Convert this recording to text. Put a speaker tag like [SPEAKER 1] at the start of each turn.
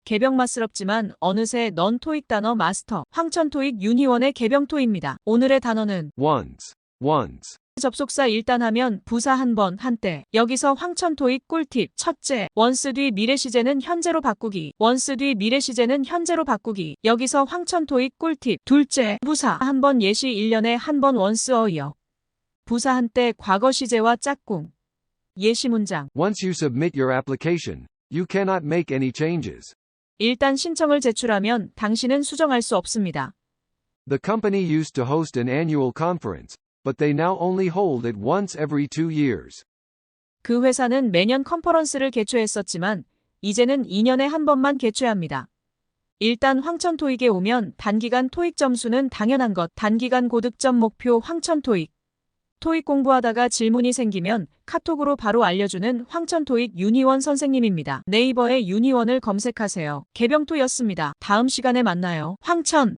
[SPEAKER 1] 개병맛스럽지만 어느새 넌 토익 단어 마스터. 황천 토익 유니원의 개병토입니다. 오늘의 단어는
[SPEAKER 2] once,
[SPEAKER 1] 접속사 일단 하면 부사 한 번, 한때. 여기서 황천 토익 꿀팁. 첫째, 원스 뒤 미래 시제는 현재로 바꾸기. 원스 뒤 미래 시제는 현재로 바꾸기. 여기서 황천 토익 꿀팁. 둘째, 부사 한 번 예시 1년에 한 번 원스 어이어. 부사 한때 과거 시제와 짝꿍. 예시 문장.
[SPEAKER 2] Once you submit your application, you cannot make any changes.
[SPEAKER 1] 일단 신청을 제출하면 당신은 수정할 수 없습니다.
[SPEAKER 2] The company used to host an annual conference, but they now only hold it once every 2 years.
[SPEAKER 1] 그 회사는 매년 컨퍼런스를 개최했었지만 이제는 2년에 한 번만 개최합니다. 일단 황천 토익에 오면 단기간 토익 점수는 당연한 것. 단기간 고득점 목표 황천 토익. 토익 공부하다가 질문이 생기면 카톡으로 바로 알려주는 황천 토익 유니원 선생님입니다. 네이버에 유니원을 검색하세요. 개병토였습니다. 다음 시간에 만나요. 황천